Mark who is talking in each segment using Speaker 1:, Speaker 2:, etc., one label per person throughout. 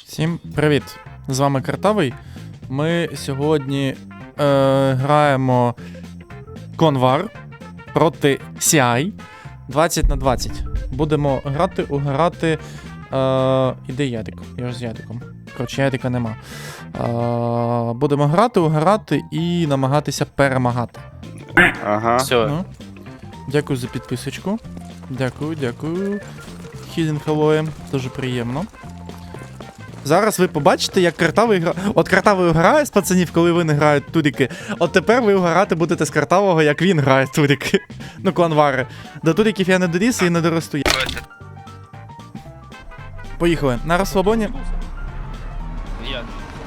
Speaker 1: Всім привіт! З вами Картавий. Ми сьогодні граємо Конвар проти CI 20 на 20. Будемо угорати. Іде Ярик. Я ж з Яриком. Коротше, Ярика нема. Будемо угорати і намагатися перемагати.
Speaker 2: Ага.
Speaker 3: Все.
Speaker 1: Ну, дякую за підписочку. Дякую. Хіден Хеллоєм, дуже приємно. Зараз ви побачите, як Картавий грає. От Картавий грає з пацанів, коли вони грають туріки. От тепер ви грати будете з Картавого, як він грає туріки. Ну, кланвари. До туріків я не доріс і не доросту. Поїхали. На розслабоні.
Speaker 3: Я.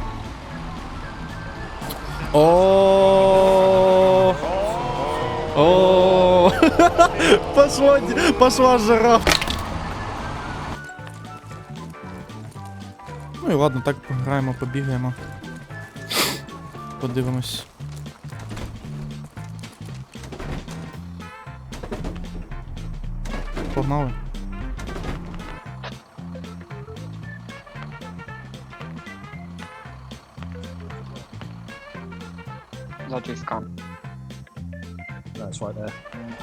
Speaker 1: О. Пошла жара. Ну і ладно, так пограємо, побігаємо. Подивимось. Погнали.
Speaker 2: Затиска.
Speaker 4: That's right there.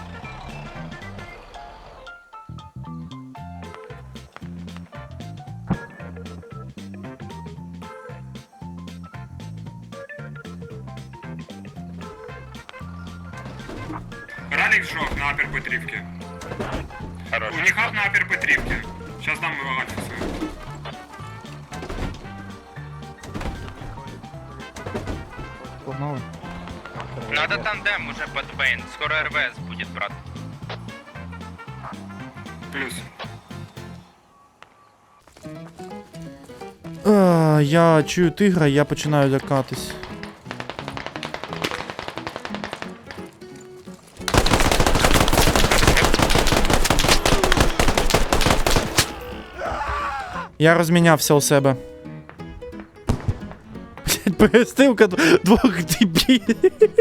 Speaker 5: Ралик сжег на Апер Петривке.
Speaker 3: Хорош.
Speaker 5: У них ап на Апер Петривке. Сейчас дам его альфа.
Speaker 1: Погнали.
Speaker 3: Надо тандем уже под Бейн. Скоро РВС будет, брат.
Speaker 5: Плюс.
Speaker 1: Я чую тигра, я починаю лякатись. Я розмінявся у себе. Блять, перестилка двох дебілів.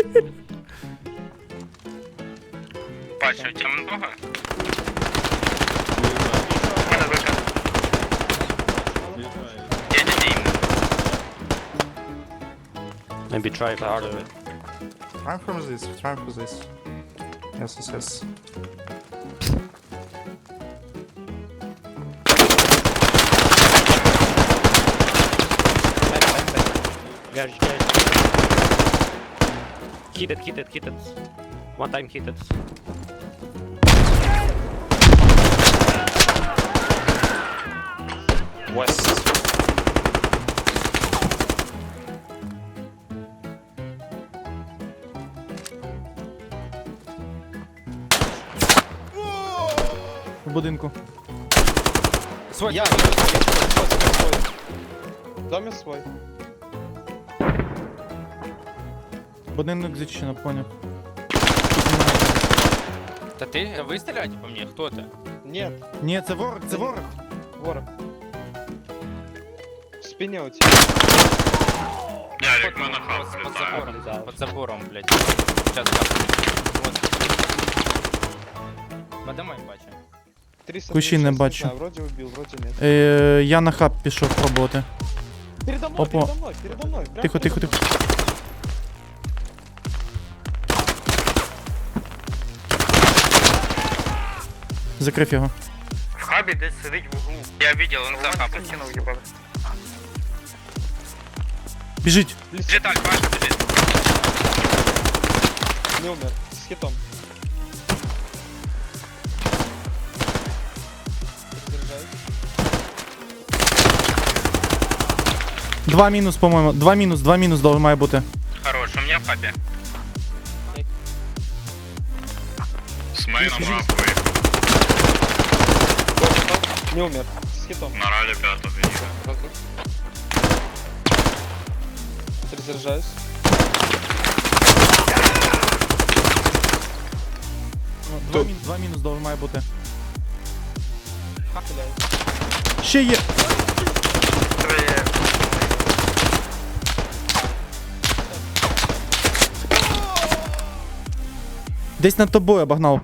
Speaker 3: Пача, у тебя много?
Speaker 4: Maybe try hard of it.
Speaker 6: Try from this, try from this. Yes.
Speaker 4: Garage. Hit it. One time hit it. West.
Speaker 1: В будинку.
Speaker 2: Я. Доме свой.
Speaker 1: Будинок зачинено, поняв.
Speaker 3: Да ты, вы стреляете по мне? Кто это?
Speaker 2: Нет,
Speaker 1: Ні, це ворог, це ворог.
Speaker 2: ворог. В спине у тебя.
Speaker 5: Ярик, мы на хаос
Speaker 3: Под
Speaker 5: летаем.
Speaker 3: забором. Под забором, блядь. Сейчас вот. Подымай, Пача.
Speaker 2: 300
Speaker 1: Кущи не
Speaker 2: сейчас,
Speaker 1: бачу.
Speaker 2: знаю, вроде убил, вроде нет.
Speaker 1: Я на хаб пішов пробувати.
Speaker 2: Передо мной,
Speaker 1: Опа.
Speaker 2: передо мной. Прям
Speaker 1: Тихо.
Speaker 2: передо мной.
Speaker 1: Закрив його.
Speaker 5: В хабі десь сидить в углу.
Speaker 3: Я видел, он за хапом.
Speaker 5: їбали.
Speaker 1: Біжить.
Speaker 3: Бежит Аль, Пача бежит.
Speaker 2: Не умер. С хитом. Заряжаюсь.
Speaker 1: 2 мінус, по-моєму. 2 мінус має бути.
Speaker 3: Хорош, у меня в хабе.
Speaker 5: З мейном апою.
Speaker 2: Не умер. С хитом.
Speaker 5: На ралі п'ятого їде.
Speaker 2: Перезаряжаюсь.
Speaker 1: Два мінус має бути.
Speaker 2: Блядь.
Speaker 1: Ще є. Десь над тобою обогнав.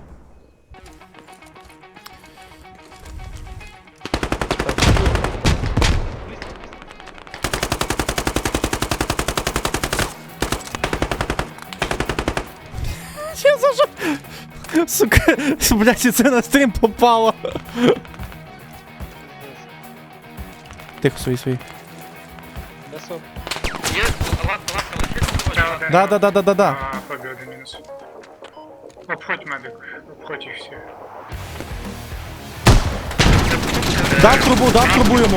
Speaker 1: Сука, блядь, і це на стрім попало. Тихо, свої.
Speaker 2: Десо.
Speaker 3: Є, лапка лишить.
Speaker 1: Да.
Speaker 5: Хобі один мінус. Обходь медик, обходь їх всіх.
Speaker 1: Дав трубу йому.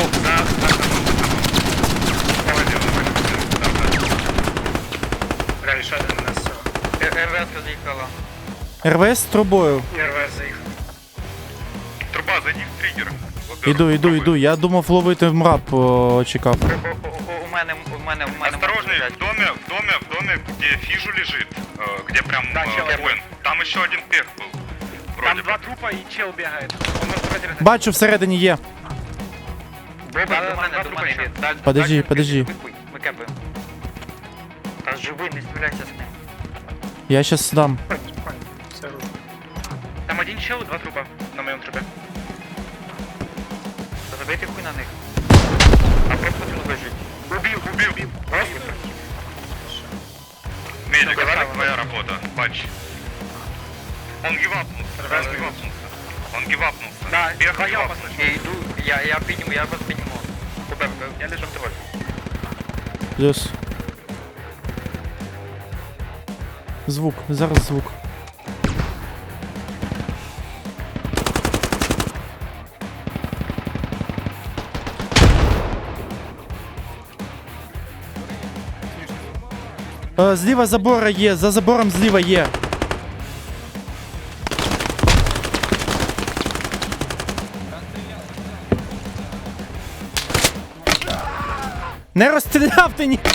Speaker 5: Реалі, ще один у нас.
Speaker 3: РВС заїхала.
Speaker 1: РВС з трубою.
Speaker 5: РВС заїхав. Труба, зайди в триггер.
Speaker 1: Іду. Я думав ловити мрап, чекав.
Speaker 3: У мене.
Speaker 5: Осторожный, в доме, где фижу лежит, где прям воин. Там еще один пех был. Вроде бы.
Speaker 3: трупа і чел бігає.
Speaker 1: Бачу, всередині є.
Speaker 3: До мене йде.
Speaker 1: Подожди.
Speaker 3: Ми кепаємо. Та живий, не стріляйся з ним.
Speaker 1: Я щас дам.
Speaker 5: Все.
Speaker 3: Там один чел, 2 трупа на моєму трупі. Забейте хуй на них. А просто тут лежить.
Speaker 5: Убил. Медик, твоя работа, бач. Он гивапнулся.
Speaker 3: Да,
Speaker 5: Пех
Speaker 3: я
Speaker 5: гивапнулся.
Speaker 3: йду, я підніму, я вас підніму. Куберка, я лежу в тролі.
Speaker 1: Плюс. Звук, зараз звук. Зліва забора є, за забором зліва є. Не розстріляв ти ні.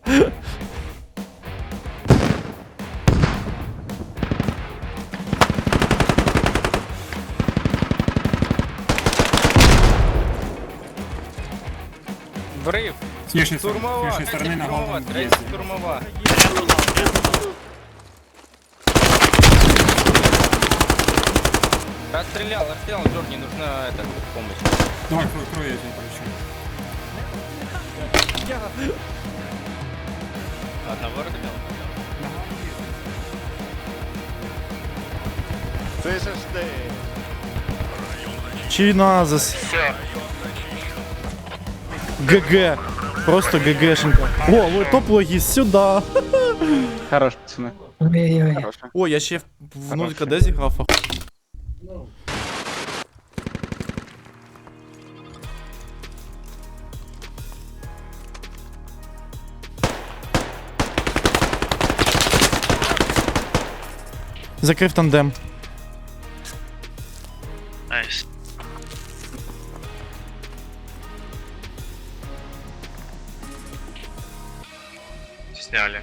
Speaker 2: Врив. Штурмова. Третя штурмова. Расстрелял, Джорни, нужна помощь. Одного разбил.
Speaker 1: Чиназис.
Speaker 3: Все.
Speaker 1: ГГ. Просто ГГшенька. О, топ-логіст, сюда.
Speaker 2: Хорош, пацаны.
Speaker 1: О, я ще в 0 КД зіграв. Закрив тандем.
Speaker 3: Найс.
Speaker 5: Сняли.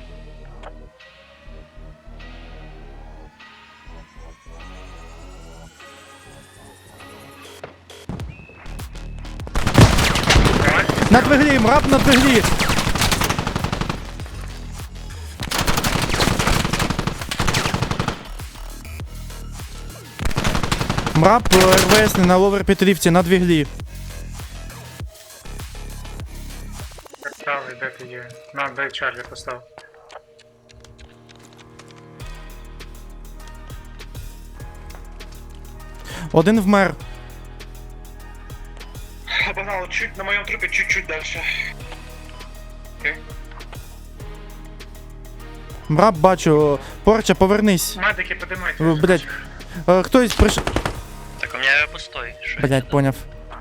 Speaker 1: На двиглі, мрап на двиглі. Мрап РВС на ловер підрифті на двиглі.
Speaker 5: Правий, де ти є? На, дай Чарлі постав.
Speaker 1: Один вмер.
Speaker 5: Обогнал чуть на моем трупе, чуть-чуть дальше.
Speaker 1: Мрап бачу. Порча, повернись.
Speaker 5: Медики, подимайте.
Speaker 1: Блять. Хтось прийшов.
Speaker 3: Так у меня пустой.
Speaker 1: Блять, поняв.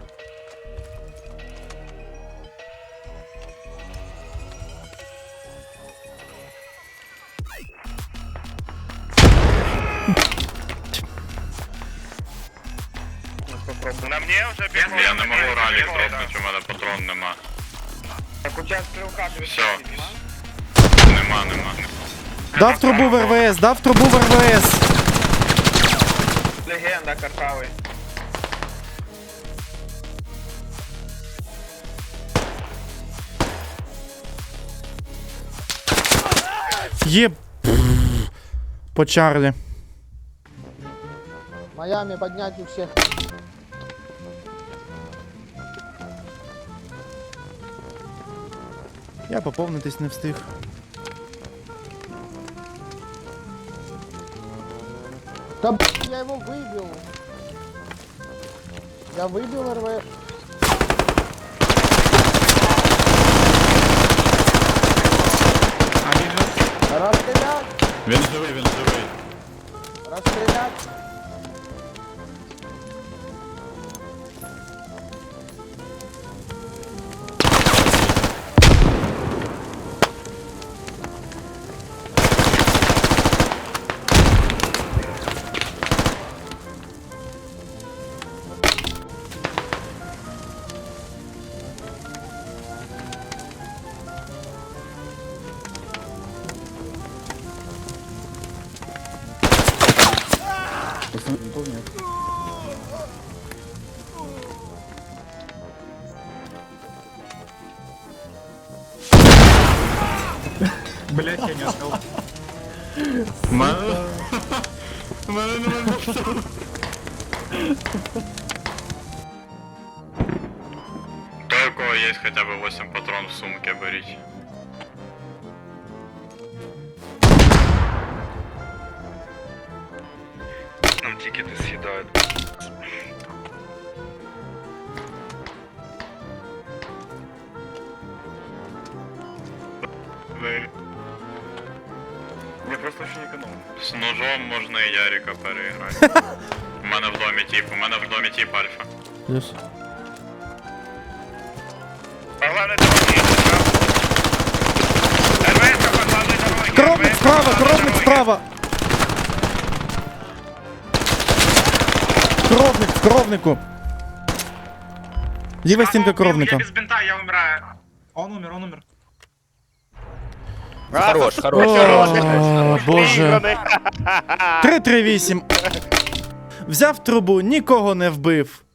Speaker 5: На мне уже бігає. Я не можу ралік дропнути, у мене патрон нема.
Speaker 3: Так у тебя стрелка.
Speaker 5: Все. Нема.
Speaker 1: Дав трубу в РВС, дав трубу в РВС.
Speaker 3: Легенда картавий.
Speaker 1: Є. По Чарлі.
Speaker 7: Майами поднять у всех.
Speaker 1: Я поповнитись не встиг.
Speaker 7: я его выбил. Я выбил РВ. Расстрелять!
Speaker 5: Він живий.
Speaker 7: Расстрелять!
Speaker 6: Блять, я не успел.
Speaker 5: То, у кого есть хотя бы 8 патрон в сумке, берите. Нам тикеты съедают.
Speaker 6: Я просто очень экономлю.
Speaker 5: З ножом можна і Ярика переіграти. У мене в домі тип альфа.
Speaker 1: Плюс.
Speaker 3: По главной дороге. РВС по главной дороге.
Speaker 1: Коровник справа, коровник справа! Коровник в коровнику! Ліва стінка коровника.
Speaker 3: Я без бинта, я умираю.
Speaker 6: Он умер.
Speaker 4: Хорош,
Speaker 1: О, боже. 338. Взяв трубу, нікого не вбив.